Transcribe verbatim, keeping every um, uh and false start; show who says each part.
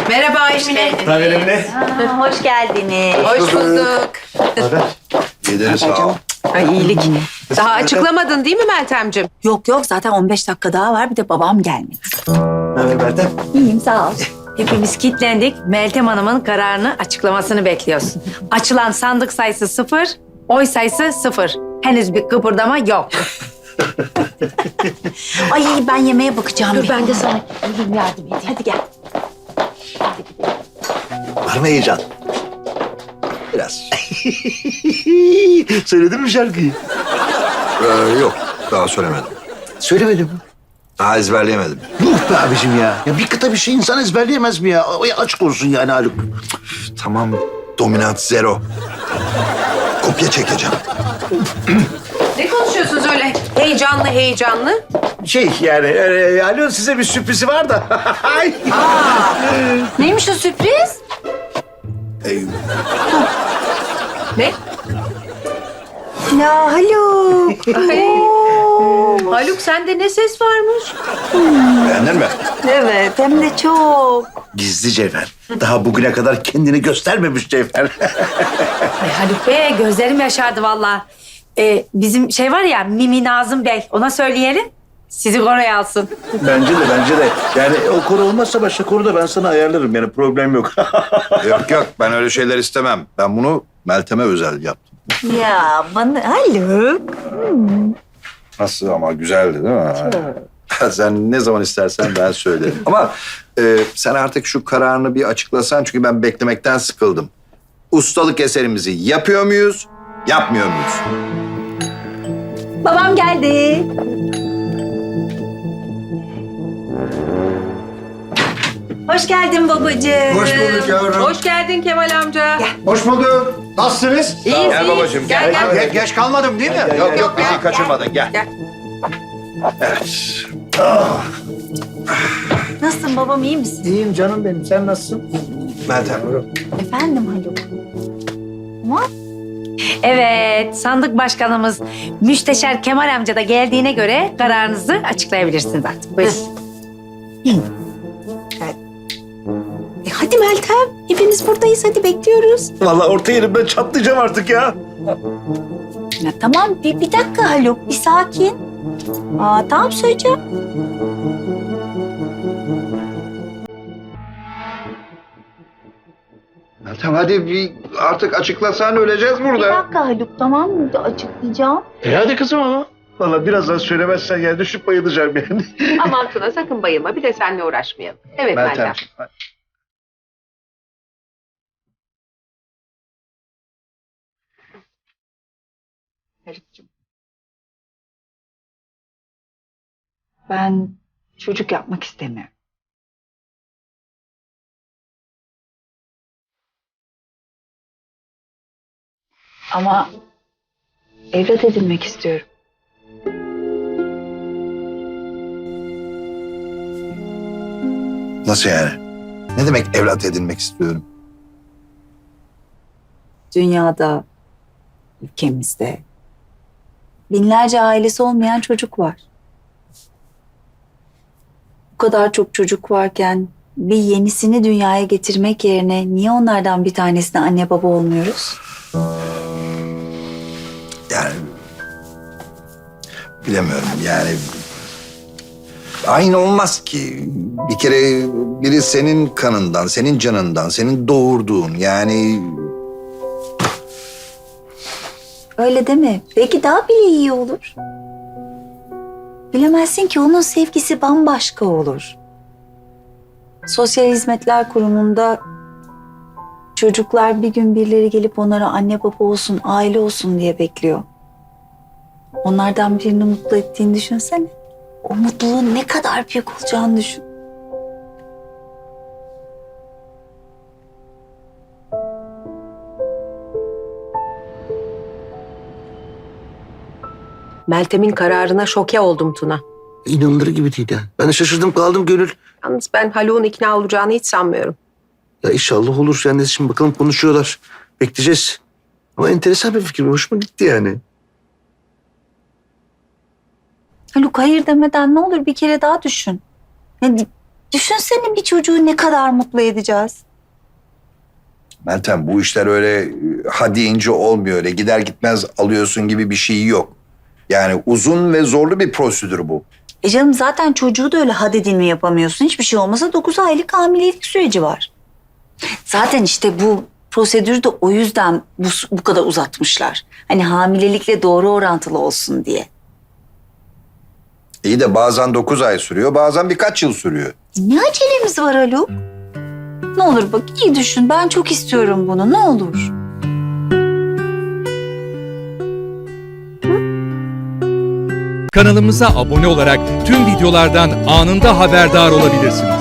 Speaker 1: Merhaba Emine.
Speaker 2: Naber Emine?
Speaker 3: Aa, hoş geldiniz.
Speaker 1: Hoş bulduk.
Speaker 2: Naber?
Speaker 4: İyidir sağ ol.
Speaker 1: Ay iyilik. Daha açıklamadın değil mi Meltemciğim?
Speaker 3: Yok yok zaten on beş dakika daha var bir de babam gelmedi.
Speaker 2: Naber Meltem?
Speaker 3: İyiyim sağ ol.
Speaker 5: Hepimiz kilitlendik. Meltem Hanım'ın kararını açıklamasını bekliyoruz. Açılan sandık sayısı sıfır, oy sayısı sıfır. Henüz bir kıpırdama yok.
Speaker 3: Ay ben yemeğe bakacağım.
Speaker 5: Dur ben de sana
Speaker 3: Elim yardım edeyim. Hadi gel.
Speaker 2: Var mı heyecan? Biraz. Söyledin mi şarkıyı?
Speaker 4: Ee, yok daha söylemedim.
Speaker 2: Söylemedim.
Speaker 4: Daha ezberleyemedim.
Speaker 2: Yuh be abicim ya. Ya bir kıta bir şey insan ezberleyemez mi ya? Ay açık olsun yani Haluk.
Speaker 4: Tamam dominant zero. Kopya çekeceğim.
Speaker 1: Ne konuşuyorsunuz öyle heyecanlı heyecanlı?
Speaker 2: Şey yani e, Haluk'un size bir sürprizi var da. Ay.
Speaker 3: Neymiş o sürpriz?
Speaker 4: Ey,
Speaker 1: Ne?
Speaker 3: Ya Haluk.
Speaker 1: Ay. Haluk sende ne ses varmış?
Speaker 4: beğendin mi?
Speaker 3: Evet hem de çok.
Speaker 2: Gizli Cevher. Daha bugüne kadar kendini göstermemiş Cevher.
Speaker 5: Ay Haluk Bey gözlerim yaşardı vallahi. Ee, bizim şey var ya Mimi Nazım Bey ona söyleyelim. Sizi oraya alsın.
Speaker 2: Bence de bence de. Yani o koro olmazsa başka koro da ben sana ayarlarım. Yani problem yok.
Speaker 4: Yok yok ben öyle şeyler istemem. Ben bunu Meltem'e özel yaptım.
Speaker 3: Ya bana Haluk.
Speaker 4: Nasıl ama güzeldi değil mi? Sen ne zaman istersen ben söylerim. Ama e, sen artık şu kararını bir açıklasan çünkü ben beklemekten sıkıldım. Ustalık eserimizi yapıyor muyuz, yapmıyor muyuz?
Speaker 3: Babam geldi. Hoş geldin babacığım.
Speaker 4: Hoş bulduk yavrum.
Speaker 1: Hoş geldin Kemal amca.
Speaker 6: Hoş bulduk. Nasılsınız?
Speaker 1: İyiyiz,
Speaker 4: Gel
Speaker 1: iyiyiz.
Speaker 4: babacığım,
Speaker 1: Gel
Speaker 4: gel.
Speaker 1: gel.
Speaker 6: Ge- geç kalmadım değil mi?
Speaker 4: Yok yok
Speaker 1: gel,
Speaker 4: bizi kaçırmadın gel.
Speaker 1: Gel.
Speaker 4: Evet.
Speaker 3: Nasılsın babam iyi misin?
Speaker 6: İyiyim canım benim. Sen nasılsın?
Speaker 4: Meltem.
Speaker 3: Efendim Haluk. Ama
Speaker 5: Evet sandık başkanımız Müsteşar Kemal amca da geldiğine göre kararınızı açıklayabilirsiniz artık. Buyurun.
Speaker 3: e, hadi Meltem. Hepimiz buradayız hadi bekliyoruz.
Speaker 2: Vallahi orta yerimden çatlayacağım artık ya.
Speaker 3: Ya tamam bir, bir dakika Haluk bir sakin. Aa tamam söyleyeceğim.
Speaker 4: Meltem hadi bir artık açıklasan öleceğiz
Speaker 3: Bir
Speaker 4: burada.
Speaker 3: dakika Haluk tamam mı? Açıklayacağım.
Speaker 2: E hadi kızım ama. Vallahi birazdan söylemezsen yani düşüp bayılacağım yani.
Speaker 1: Aman Tuna sakın bayılma. Bir de seninle uğraşmayalım. Evet Meltem.
Speaker 4: Meltem.
Speaker 1: Haluk'cum.
Speaker 3: Ben çocuk yapmak istemiyorum. Ama evlat edinmek istiyorum.
Speaker 4: Nasıl yani? Ne demek evlat edinmek istiyorum?
Speaker 3: Dünyada, ülkemizde binlerce ailesi olmayan çocuk var. Bu kadar çok çocuk varken bir yenisini dünyaya getirmek yerine niye onlardan bir tanesine anne baba olmuyoruz?
Speaker 4: Yani bilemiyorum yani aynı olmaz ki. Bir kere biri senin kanından, senin canından, senin doğurduğun yani
Speaker 3: Öyle deme. Belki daha bile iyi olur. Bilemezsin ki onun sevgisi bambaşka olur. Sosyal Hizmetler Kurumu'nda çocuklar bir gün birileri gelip onlara anne baba olsun, aile olsun diye bekliyor. Onlardan birini mutlu ettiğini düşünsene. O mutluluğun ne kadar büyük olacağını düşün.
Speaker 1: Meltem'in kararına şoke oldum Tuna.
Speaker 2: İnanılır gibi değil ya. Ben de şaşırdım kaldım Gönül.
Speaker 1: Yalnız ben Haluk'un ikna olacağını hiç sanmıyorum.
Speaker 2: Ya inşallah olur. Yani şimdi bakalım konuşuyorlar. Bekleyeceğiz. Ama enteresan bir fikir. Hoşuma gitti yani.
Speaker 3: Haluk hayır demeden ne olur bir kere daha düşün. Yani Düşünsene bir çocuğu ne kadar mutlu edeceğiz.
Speaker 4: Meltem bu işler öyle e, ha deyince olmuyor. Öyle gider gitmez alıyorsun gibi bir şey yok. Yani uzun ve zorlu bir prosedür bu.
Speaker 3: E canım zaten çocuğu da öyle had edilme yapamıyorsun. Hiçbir şey olmasa dokuz aylık hamilelik süreci var. Zaten işte bu prosedürü de o yüzden bu, bu kadar uzatmışlar. Hani hamilelikle doğru orantılı olsun diye.
Speaker 4: İyi de bazen dokuz ay sürüyor, bazen birkaç yıl sürüyor.
Speaker 3: E ne acelemiz var Haluk? Ne olur bak iyi düşün. Ben çok istiyorum bunu. Ne olur.
Speaker 7: Kanalımıza abone olarak tüm videolardan anında haberdar olabilirsiniz.